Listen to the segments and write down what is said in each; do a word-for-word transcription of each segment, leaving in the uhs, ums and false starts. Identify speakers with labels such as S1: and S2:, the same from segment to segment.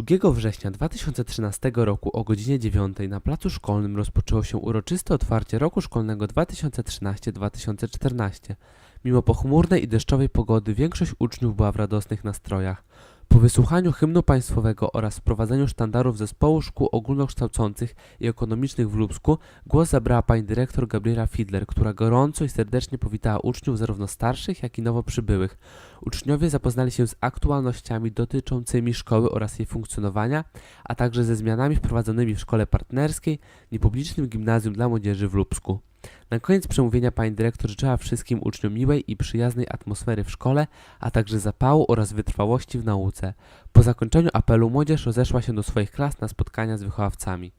S1: drugiego września dwa tysiące trzynastego roku o godzinie dziewiątej na placu szkolnym rozpoczęło się uroczyste otwarcie roku szkolnego dwa tysiące trzynaście dwa tysiące czternaście. Mimo pochmurnej i deszczowej pogody większość uczniów była w radosnych nastrojach. Po wysłuchaniu hymnu państwowego oraz wprowadzeniu sztandarów zespołu szkół ogólnokształcących i ekonomicznych w Lubsku głos zabrała pani dyrektor Gabriela Fidler, która gorąco i serdecznie powitała uczniów zarówno starszych, jak i nowo przybyłych. Uczniowie zapoznali się z aktualnościami dotyczącymi szkoły oraz jej funkcjonowania, a także ze zmianami wprowadzonymi w szkole partnerskiej, niepublicznym gimnazjum dla młodzieży w Lubsku. Na koniec przemówienia pani dyrektor życzyła wszystkim uczniom miłej i przyjaznej atmosfery w szkole, a także zapału oraz wytrwałości w nauce. Po zakończeniu apelu młodzież rozeszła się do swoich klas na spotkania z wychowawcami.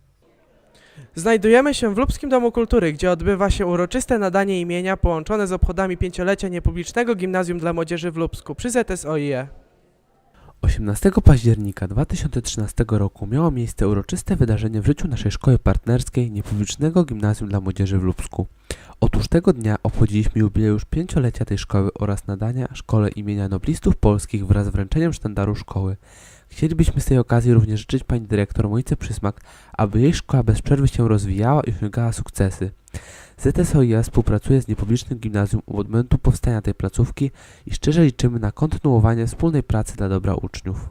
S2: Znajdujemy się w Lubskim Domu Kultury, gdzie odbywa się uroczyste nadanie imienia połączone z obchodami pięciolecia niepublicznego gimnazjum dla młodzieży w Lubsku przy Z S O I E.
S1: osiemnastego października dwa tysiące trzynastego roku miało miejsce uroczyste wydarzenie w życiu naszej szkoły partnerskiej niepublicznego gimnazjum dla młodzieży w Lubsku. Otóż tego dnia obchodziliśmy jubileusz pięciolecia tej szkoły oraz nadania szkole imienia noblistów polskich wraz z wręczeniem sztandaru szkoły. Chcielibyśmy z tej okazji również życzyć pani dyrektor Monice Przysmak, aby jej szkoła bez przerwy się rozwijała i osiągała sukcesy. Z S O I E współpracuje z niepublicznym gimnazjum od momentu powstania tej placówki i szczerze liczymy na kontynuowanie wspólnej pracy dla dobra uczniów.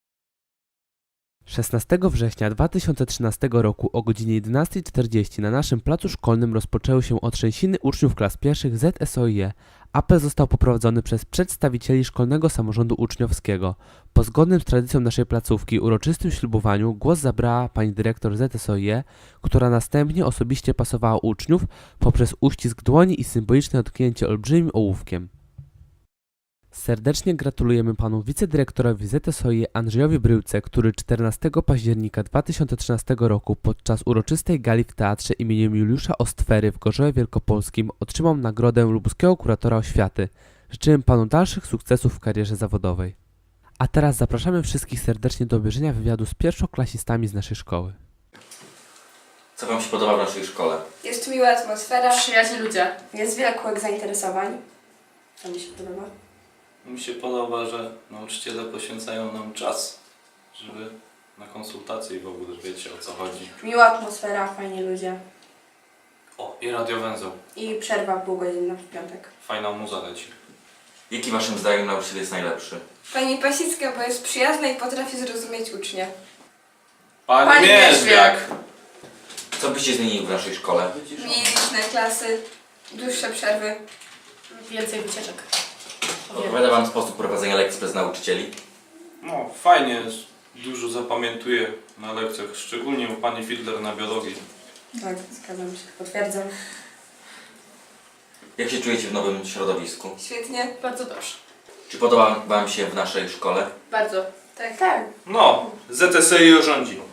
S1: szesnastego września dwa tysiące trzynastego roku o godzinie jedenastej czterdzieści na naszym placu szkolnym rozpoczęły się otrzęsiny uczniów klas pierwszych Z S O I E. Apel został poprowadzony przez przedstawicieli Szkolnego Samorządu Uczniowskiego. Po zgodnym z tradycją naszej placówki uroczystym ślubowaniu głos zabrała pani dyrektor Z S O I E, która następnie osobiście pasowała uczniów poprzez uścisk dłoni i symboliczne dotknięcie olbrzymim ołówkiem. Serdecznie gratulujemy panu wicedyrektorowi Z S O I E Andrzejowi Bryłce, który czternastego października dwa tysiące trzynastego roku podczas uroczystej gali w Teatrze imieniem Juliusza Ostwery w Gorzowie Wielkopolskim otrzymał nagrodę lubuskiego kuratora oświaty. Życzymy panu dalszych sukcesów w karierze zawodowej. A teraz zapraszamy wszystkich serdecznie do obejrzenia wywiadu z pierwszoklasistami z naszej szkoły.
S3: Co wam się podoba w naszej szkole?
S4: Jest tu miła atmosfera,
S5: Przyjaźni ludzie.
S4: jest wiele kółek zainteresowań. To mi się podoba.
S6: Mi się podoba, że nauczyciele poświęcają nam czas, żeby na konsultacje i w ogóle wiecie, o co chodzi.
S4: Miła atmosfera, fajni ludzie.
S6: O, i radiowęzeł.
S4: I przerwa półgodzinna w piątek.
S6: Fajna muza leci.
S3: Jaki waszym zdaniem nauczyciel jest najlepszy?
S4: Pani Pasicka, bo jest przyjazna i potrafi zrozumieć ucznia.
S6: Pani,
S4: Pani
S6: Mierzwiak!
S3: Co byście zmienili w naszej szkole?
S4: Mniej liczne klasy, dłuższe przerwy.
S5: Więcej wycieczek.
S3: Odpowiada wam sposób prowadzenia lekcji przez nauczycieli?
S6: No, fajnie jest. Dużo zapamiętuję na lekcjach, szczególnie u pani Fidler na biologii.
S4: Tak, zgadzam się, potwierdzam.
S3: Jak się czujecie w nowym środowisku?
S4: Świetnie.
S5: Bardzo dobrze.
S3: Czy podoba wam się w naszej szkole?
S5: Bardzo.
S4: Tak, tak.
S6: No, Z S O I E rządzi.